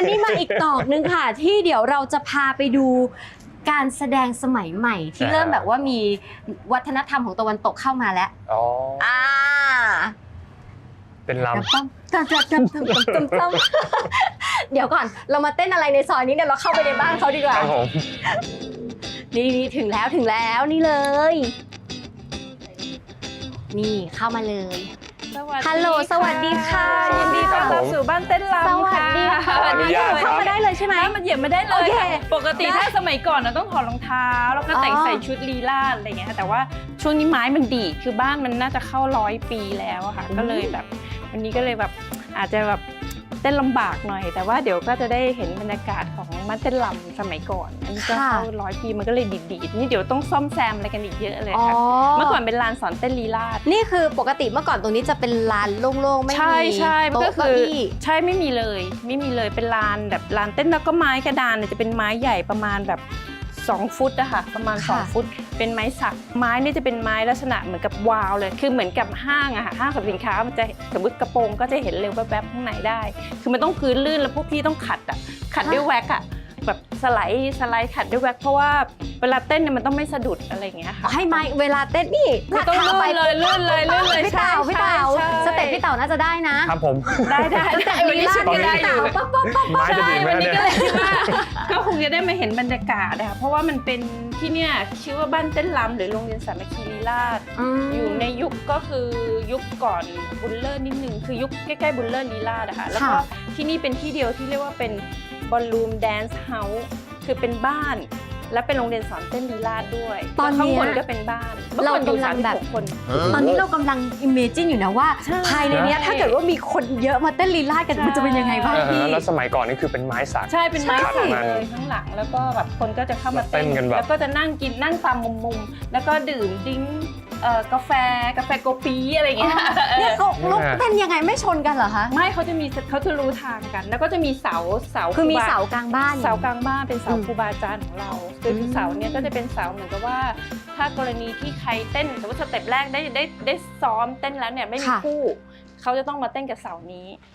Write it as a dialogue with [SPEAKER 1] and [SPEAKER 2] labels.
[SPEAKER 1] นนี้มาอีกตอกนึงค่ะ ที่เดี๋ยวเราจะพาไปดูการแสดงสมัยใหม่ที่เริ่มแบบว่ามีวัฒนธรรมของตะวันตกเข้ามาแล้ว
[SPEAKER 2] อ๋อ
[SPEAKER 1] เป็
[SPEAKER 2] เป็นลำ
[SPEAKER 1] เดี๋ยวก่อนเรามาเต้นอะไรในซอยนี้เนี่ยเราเข้าไปในบ้านเขาดีกว่า
[SPEAKER 2] ครับผม
[SPEAKER 1] นี่ถึงแล้วนี่เลย นี่เข้ามาเลยฮัลโหลสวัสดีค่ะ
[SPEAKER 3] ยินดีต้อนรับสู่บ้านเต้นรำ
[SPEAKER 1] สวัสดีค่ะ
[SPEAKER 2] ขออนุญาตค
[SPEAKER 1] เข้า
[SPEAKER 2] รับ
[SPEAKER 1] มาได้เลยใช่ไหม
[SPEAKER 3] มันเหยียบไม่ได้เลย
[SPEAKER 1] โอเค
[SPEAKER 3] ค่ะปกติถ้าสมัยก่อนเราต้องถอดรองเท้าแล้วก็แต่ง
[SPEAKER 1] อ๋อ
[SPEAKER 3] ใส่ชุดลีลาดอะไรเงี้ยค่ะแต่ว่าช่วงนี้ไม้มันดีดคือบ้านมันน่าจะเข้า100 ปีแล้วอะค่ะก็เลยแบบวันนี้ก็เลยแบบอาจจะแบบเต้นลำบากหน่อย แต่ว่าเดี๋ยวก็จะได้เห็นบรรยากาศของบ้านเต้นรำสมัยก่อนอันนี้ก็เข้า100 ปีมันก็เลยดีดๆนี่เดี๋ยวต้องซ่อมแซมอะไรกันอีกเยอะเลยค่ะเมื่อก่อนเป็นลานสอนเต้นลีลาด
[SPEAKER 1] นี่คือปกติเมื่อก่อนตรงนี้จะเป็นลานโล่งๆไม่
[SPEAKER 3] ใช่
[SPEAKER 1] มี
[SPEAKER 3] ใช่มัน
[SPEAKER 1] โต๊ะ
[SPEAKER 3] ก็
[SPEAKER 1] เก้า
[SPEAKER 3] คือ
[SPEAKER 1] อี้
[SPEAKER 3] ใช่ไม่มีเลยเป็นลานแบบลานเต้นแล้วก็ไม้กระดานเนี่ยจะเป็นไม้ใหญ่ประมาณแบบ2 ฟุตอะค่ะประมาณ2 ฟุตเป็นไม้สักไม้นี่จะเป็นไม้ลักษณะเหมือนกับวาวเลยคือเหมือนกับห้างอะค่ะห้างสรรพสินค้ามันจะสมมติกระโปรงก็จะเห็นเร็วแวบๆข้างในได้ คือมันต้องพื้นลื่นแล้วพวกพี่ต้องขัดด้วยแว็กอะแบบสไลด์ขัดด้วยแว็กเพราะว่าเวลาเต้นเนี่ยมันต้องไม่สะดุดอะไรอย่างเงี้ยค่ะ
[SPEAKER 1] ให้ไม้เวลาเต้นนี่
[SPEAKER 3] ไม่ต้องลื่นเลย
[SPEAKER 1] พี่เต่าสเต็ปพี่เต่าน่าจะได้นะครับ
[SPEAKER 2] ผม
[SPEAKER 3] ได้วันนี้ชุดก็ได้อยู่
[SPEAKER 1] ปั๊บ
[SPEAKER 2] ไม้จะดีไหม
[SPEAKER 3] วันนี้
[SPEAKER 2] เนี่ย
[SPEAKER 3] ก็เลยคิดว่าก็คงจะได้มาเห็นบรรยากาศนะคะเพราะว่ามันเป็นที่เนี่ยชื่อว่าบ้านเต้นรำหรือโรงเรียนสามัคคีลีลาศอยู่ในยุคก็คือยุคก่อนบุลเลอร์นิดนึงคือยุคใกล้ๆบุลเลอร์ลีลาศนะคะแล้วก็ที่นี่เป็นที่เดียวที่เรียกว่าเป็นบอลลูมแดนซ์เฮาส์คือเป็นบ้านและเป็นโรงเรียนสอนเต้นลีลาศด้วยข้างบนก็เป็นบ้านเรากำลังแบบคน
[SPEAKER 1] ตอนนี้เรากำลังอิมเมจินอยู่นะว่าภายในนี้ถ้าเกิดว่ามีคนเยอะมาเต้นลีลาศกันมันจะเป็นยังไงบ้างพี่
[SPEAKER 2] แล้วสมัยก่อนนี่คือเป็นไม้สัก
[SPEAKER 3] ใช่เป็นไม้สักเลยข้างหลังแล้วก็แบบคนก็จะเข้ามาเต้น
[SPEAKER 2] กันแบบ
[SPEAKER 3] แล้วก็จะนั่งตามมุมแล้วก็ดื่มดิ้งกาแฟโกปีอะไรอย่างเงี้ย
[SPEAKER 1] เนี่ยเขาลุกเต้นยังไงไม่ชนกันเหรอคะ
[SPEAKER 3] ไม่เขาจะรู้ทางกัน แล้วก็จะมีเสา
[SPEAKER 1] คือมีเสากลางบ้าน
[SPEAKER 3] เสากลางบ้านเป็นเสาครูบาอาจารย์ของเราคือเสาเนี่ยก็จะเป็นเสาเหมือนกับว่า ถ้ากรณีที่ใครเต้นสมมติสเต็ปแรกได้ซ้อมเต้นแล้วเนี่ยไม่มีคู่เขาจะต้องมาเต้นกับเสานี้